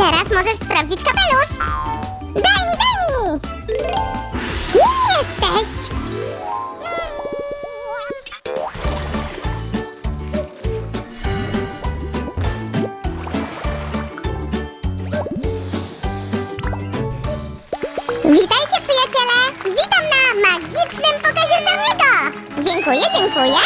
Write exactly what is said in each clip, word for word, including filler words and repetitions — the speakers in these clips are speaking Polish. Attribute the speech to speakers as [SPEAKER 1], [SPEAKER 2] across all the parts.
[SPEAKER 1] Teraz możesz sprawdzić kapelusz. Daj mi, daj mi! Kim jesteś? Witajcie, przyjaciele! Witam na magicznym pokazie Samiego! Dziękuję, dziękuję!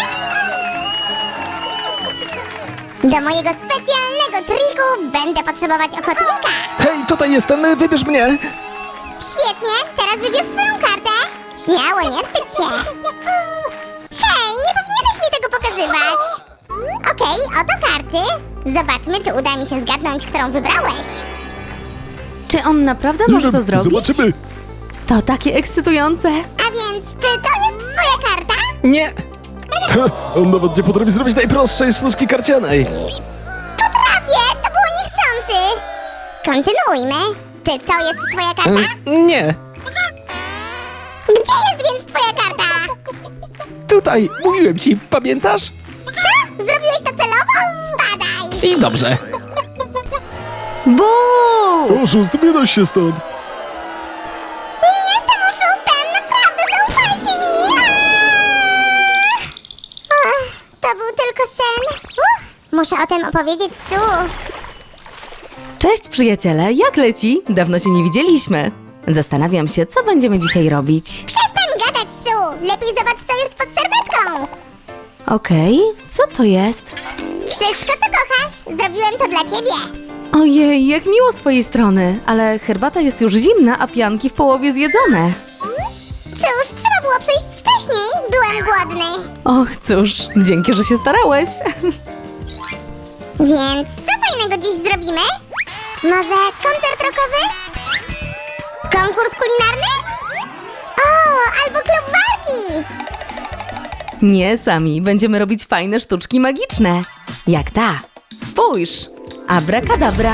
[SPEAKER 1] Do mojego specjalnego triku będę potrzebować ochotnika!
[SPEAKER 2] Hej, tutaj jestem, wybierz mnie!
[SPEAKER 1] Świetnie, teraz wybierz swoją kartę! Śmiało, nie wstydź się! Hej, nie powinieneś mi tego pokazywać! Okej, oto karty. Zobaczmy, czy uda mi się zgadnąć, którą wybrałeś.
[SPEAKER 3] Czy on naprawdę może to zrobić?
[SPEAKER 2] Zobaczymy!
[SPEAKER 3] To takie ekscytujące.
[SPEAKER 1] A więc, czy to jest twoja karta?
[SPEAKER 2] Nie! Ha, on nawet nie potrafi zrobić najprostszej sztuczki karcianej.
[SPEAKER 1] Potrafię, to było niechcący! Kontynuujmy. Czy to jest twoja karta?
[SPEAKER 2] E, nie!
[SPEAKER 1] Gdzie jest więc twoja karta?
[SPEAKER 2] Tutaj, mówiłem ci, pamiętasz?
[SPEAKER 1] Co? Zrobiłeś to celowo? Spadaj!
[SPEAKER 2] I dobrze.
[SPEAKER 3] Buu!
[SPEAKER 2] Oszust, wynoś się stąd!
[SPEAKER 1] Nie jestem oszustem! Naprawdę, zaufajcie mi! Aaaa! Ach, to był tylko sen. Uff, muszę o tym opowiedzieć Su.
[SPEAKER 3] Cześć przyjaciele, jak leci? Dawno się nie widzieliśmy. Zastanawiam się, co będziemy dzisiaj robić.
[SPEAKER 1] Przestań gadać, Su! Lepiej zobacz, co jest pod serwetką!
[SPEAKER 3] Okej, co to jest?
[SPEAKER 1] Wszystko, co kochasz, zrobiłem to dla ciebie.
[SPEAKER 3] Ojej, jak miło z twojej strony, ale herbata jest już zimna, a pianki w połowie zjedzone.
[SPEAKER 1] Cóż, trzeba było przyjść wcześniej. Byłem głodny.
[SPEAKER 3] Och, cóż, dzięki, że się starałeś.
[SPEAKER 1] Więc co fajnego dziś zrobimy? Może koncert rockowy? Konkurs kulinarny? O, albo klub walki!
[SPEAKER 3] Nie, sami, będziemy robić fajne sztuczki magiczne. Jak ta. Spójrz. Abracadabra.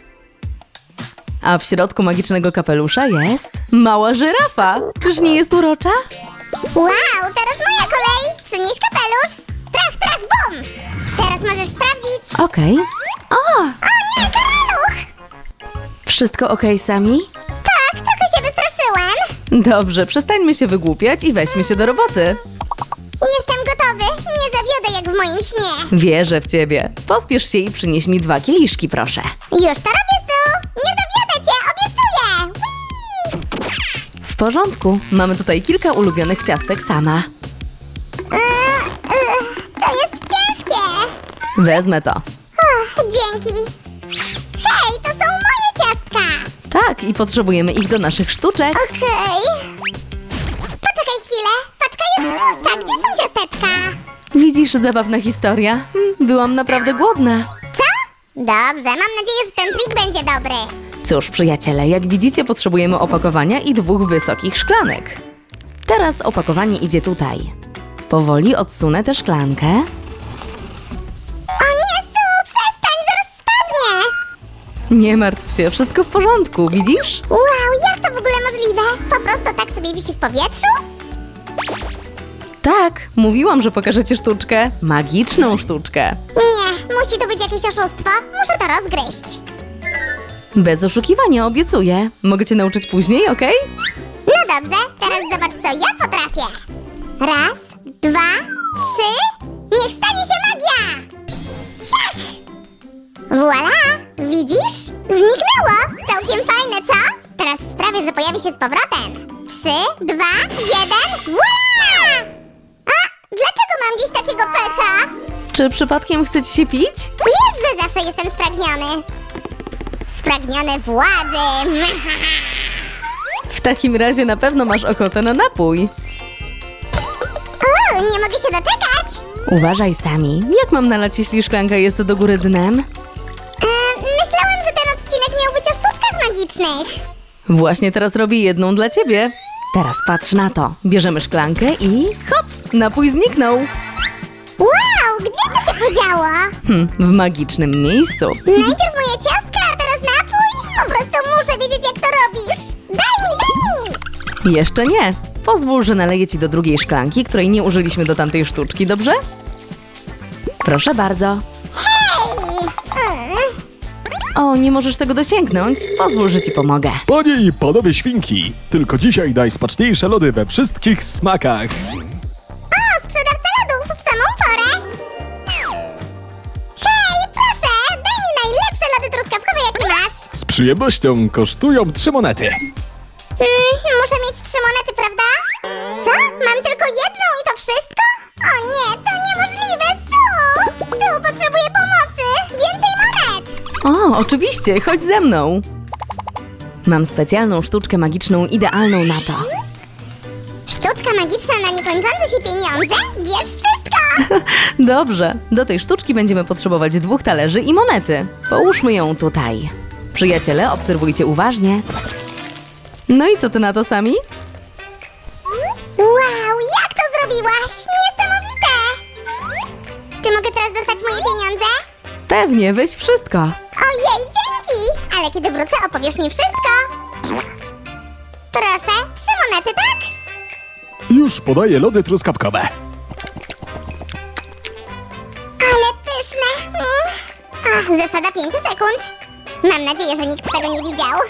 [SPEAKER 3] A w środku magicznego kapelusza jest mała żyrafa. Czyż nie jest urocza?
[SPEAKER 1] Wow, teraz moja kolej! Przynieś kapelusz! Trach, trach, bum! Teraz możesz sprawdzić.
[SPEAKER 3] Okej. O,
[SPEAKER 1] O nie, karaluch!
[SPEAKER 3] wszystko okej, Sami?
[SPEAKER 1] Tak, trochę się wystraszyłem.
[SPEAKER 3] Dobrze, przestańmy się wygłupiać i weźmy się do roboty.
[SPEAKER 1] Jestem gotowy. Nie zawiodę jak w moim śnie.
[SPEAKER 3] Wierzę w ciebie. Pospiesz się i przynieś mi dwa kieliszki, proszę.
[SPEAKER 1] Już to robię, Su! Nie zawiodę cię, obiecuję! Whee!
[SPEAKER 3] W porządku. Mamy tutaj kilka ulubionych ciastek sama.
[SPEAKER 1] Yy, yy, to jest ciężkie.
[SPEAKER 3] Wezmę to.
[SPEAKER 1] Och, dzięki. Hej, to są moje ciastka.
[SPEAKER 3] Tak, i potrzebujemy ich do naszych sztuczek.
[SPEAKER 1] Okej. Poczekaj chwilę. Paczka jest pusta. Gdzie są ciasteczka?
[SPEAKER 3] Widzisz, zabawna historia. Hmm, Byłam naprawdę głodna.
[SPEAKER 1] Co? Dobrze, mam nadzieję, że ten trik będzie dobry.
[SPEAKER 3] Cóż, przyjaciele, jak widzicie, potrzebujemy opakowania i dwóch wysokich szklanek. Teraz opakowanie idzie tutaj. Powoli odsunę tę szklankę.
[SPEAKER 1] O nie, Su, przestań, zaraz spadnie.
[SPEAKER 3] Nie martw się, wszystko w porządku, widzisz?
[SPEAKER 1] Wow, jak to w ogóle możliwe? Po prostu tak sobie wisi w powietrzu?
[SPEAKER 3] Tak, mówiłam, że pokażę ci sztuczkę. Magiczną sztuczkę.
[SPEAKER 1] Nie, musi to być jakieś oszustwo. Muszę to rozgryźć.
[SPEAKER 3] Bez oszukiwania, obiecuję. Mogę cię nauczyć później, okej?
[SPEAKER 1] No dobrze, teraz zobacz, co ja potrafię. Raz, dwa, trzy. Niech stanie się magia! Ciach! Voila! Widzisz? Zniknęło! Całkiem fajne, co? Teraz sprawię, że pojawi się z powrotem. Trzy, dwa, jeden. Voila! A, dlaczego mam dziś takiego pecha?
[SPEAKER 3] Czy przypadkiem chce ci się pić?
[SPEAKER 1] Wiesz, że zawsze jestem spragniony. Spragniony władzy.
[SPEAKER 3] W takim razie na pewno masz ochotę na napój.
[SPEAKER 1] O, nie mogę się doczekać.
[SPEAKER 3] Uważaj, Sami. Jak mam nalać, jeśli szklanka jest do góry dnem?
[SPEAKER 1] E, myślałem, że ten odcinek miał być o sztuczkach magicznych.
[SPEAKER 3] Właśnie teraz robię jedną dla ciebie. Teraz patrz na to. Bierzemy szklankę i hop! Napój zniknął.
[SPEAKER 1] Wow, gdzie to się podziało?
[SPEAKER 3] Hm, w magicznym miejscu.
[SPEAKER 1] Najpierw moje ciastka, a teraz napój? Po prostu muszę wiedzieć, jak to robisz. Daj mi, daj mi!
[SPEAKER 3] Jeszcze nie. Pozwól, że naleję ci do drugiej szklanki, której nie użyliśmy do tamtej sztuczki, dobrze? Proszę bardzo.
[SPEAKER 1] Hej! Mm.
[SPEAKER 3] O, nie możesz tego dosięgnąć? Pozwól, że ci pomogę.
[SPEAKER 2] Panie i panowie świnki, tylko dzisiaj najsmaczniejsze lody we wszystkich smakach.
[SPEAKER 1] O, sprzedawca lodów w samą porę! Hej, proszę, daj mi najlepsze lody truskawkowe, jakie masz!
[SPEAKER 2] Z przyjemnością kosztują trzy monety.
[SPEAKER 1] Mm, muszę mieć trzy monety, prawda? Co? Mam tylko jedną i to wszystko? O nie, to niemożliwe! Su! Su, potrzebuję pomocy! Więcej monet!
[SPEAKER 3] O, oczywiście, chodź ze mną. Mam specjalną sztuczkę magiczną idealną na to.
[SPEAKER 1] Sztuczka magiczna na niekończące się pieniądze? Wiesz wszystko!
[SPEAKER 3] Dobrze, do tej sztuczki będziemy potrzebować dwóch talerzy i monety. Połóżmy ją tutaj. Przyjaciele, obserwujcie uważnie. No i co ty na to, Sami?
[SPEAKER 1] Wow, jak to zrobiłaś? Niesamowite! Czy mogę teraz dostać moje pieniądze?
[SPEAKER 3] Pewnie, weź wszystko.
[SPEAKER 1] Ojej, dzięki! Ale kiedy wrócę, opowiesz mi wszystko. Proszę, trzy monety, tak?
[SPEAKER 2] Już podaję lody truskawkowe.
[SPEAKER 1] Ale pyszne! Mm. Ach, zasada pięciu sekund. Mam nadzieję, że nikt tego nie widział.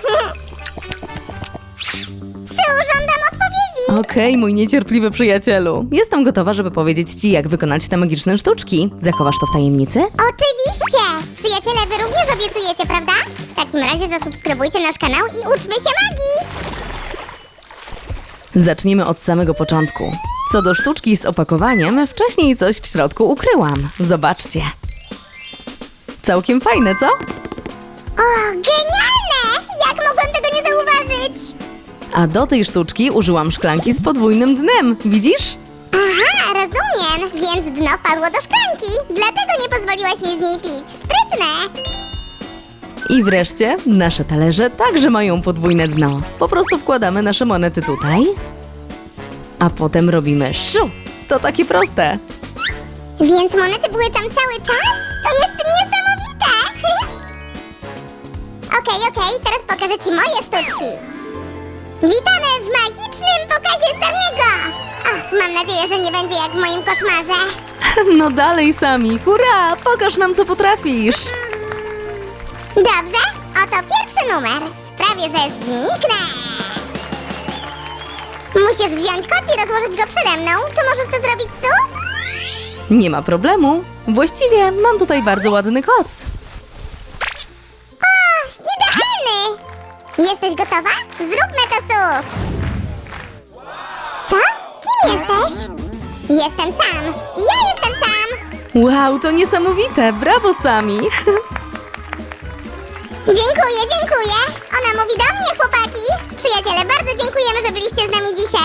[SPEAKER 1] Su, żądam odpowiedzi!
[SPEAKER 3] Okej, mój niecierpliwy przyjacielu. Jestem gotowa, żeby powiedzieć ci, jak wykonać te magiczne sztuczki. Zachowasz to w tajemnicy?
[SPEAKER 1] Oczywiście! Przyjaciele, wy również obiecujecie, prawda? W takim razie zasubskrybujcie nasz kanał i uczmy się magii!
[SPEAKER 3] Zaczniemy od samego początku. Co do sztuczki z opakowaniem, wcześniej coś w środku ukryłam. Zobaczcie. Całkiem fajne, co?
[SPEAKER 1] O, genialne! Jak mogłam tego nie zauważyć?
[SPEAKER 3] A do tej sztuczki użyłam szklanki z podwójnym dnem. Widzisz?
[SPEAKER 1] Aha, rozumiem, więc dno wpadło do szklanki. Dlatego nie pozwoliłaś mi z niej pić. Sprytne!
[SPEAKER 3] I wreszcie nasze talerze także mają podwójne dno. Po prostu wkładamy nasze monety tutaj, a potem robimy szu. To takie proste.
[SPEAKER 1] Więc monety były tam cały czas? To jest niesamowite! Okej, okej, teraz pokażę ci moje sztuczki. Witamy w magicznym pokazie Samiego! Ach, mam nadzieję, że nie będzie jak w moim koszmarze.
[SPEAKER 3] No dalej, Sami. Hurra! Pokaż nam, co potrafisz.
[SPEAKER 1] Dobrze, oto pierwszy numer. Sprawię, że zniknę. Musisz wziąć koc i rozłożyć go przede mną. Czy możesz to zrobić, Su?
[SPEAKER 3] Nie ma problemu. Właściwie mam tutaj bardzo ładny koc.
[SPEAKER 1] O, idealny! Jesteś gotowa? Zróbmy to, Su! Co? Kim jesteś? Jestem sam. I ja jestem sam.
[SPEAKER 3] Wow, to niesamowite. Brawo, Sami.
[SPEAKER 1] Dziękuję, dziękuję. Ona mówi do mnie, chłopaki. Przyjaciele, bardzo dziękujemy, że byliście z nami dzisiaj.